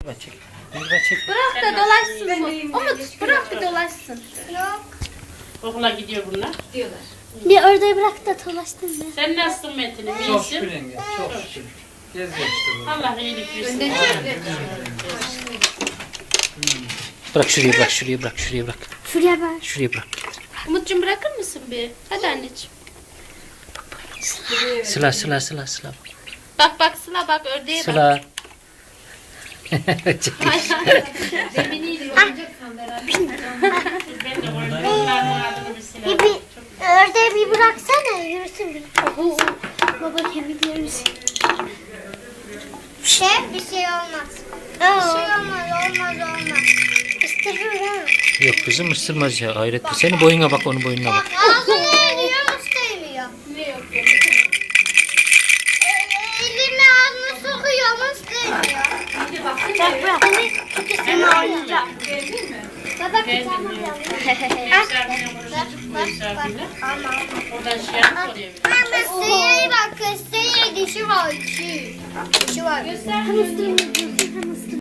Çek. Çek. Bırak da dolaşsın. Umut bırak da dolaşsın. Yok. Okula gidiyor bunlar. Diyorlar. Bir orada bırak da dolaştın ya. Sen nasılsın Metin'im? Çok şükür İyisin. yenge. Çok şükür. Gez geçti bu. Allah iyilik versin. Önden çek. Bırak şuraya bırak şuraya bırak şuraya bırak. Şuraya bak. Şuraya bırak. Umut'cum bırakır mısın bir? Hadi anneciğim. Sıla sıla sıla sıla. Bak bak Sıla bak ördeğe bak. Sıla. Çek. Zeminiyle yorulacaksan beraber. Ben de onların adını bir silah. Bir ördeği bir bıraksana yürüsün bir. Baba kemiklerimiz. Bir şey olmaz. Bir şey olmaz. Isırır ha. Yok kızım ısırmaz ya. Hayret bir. Senin boyuna bak onun boynuna bak. Ağzını eriyor, ısırmıyor. Ne yok Elini ağzına sokuyor ama ısırmıyor. Bak bırak. Seni oynayacak. Baba kucağıma gel. Misafirine konuşacak bu misafirine. Oradan şey yapıp oraya bir. Ama sıyır bak, sıyır dişi var. Dişi var. Göster.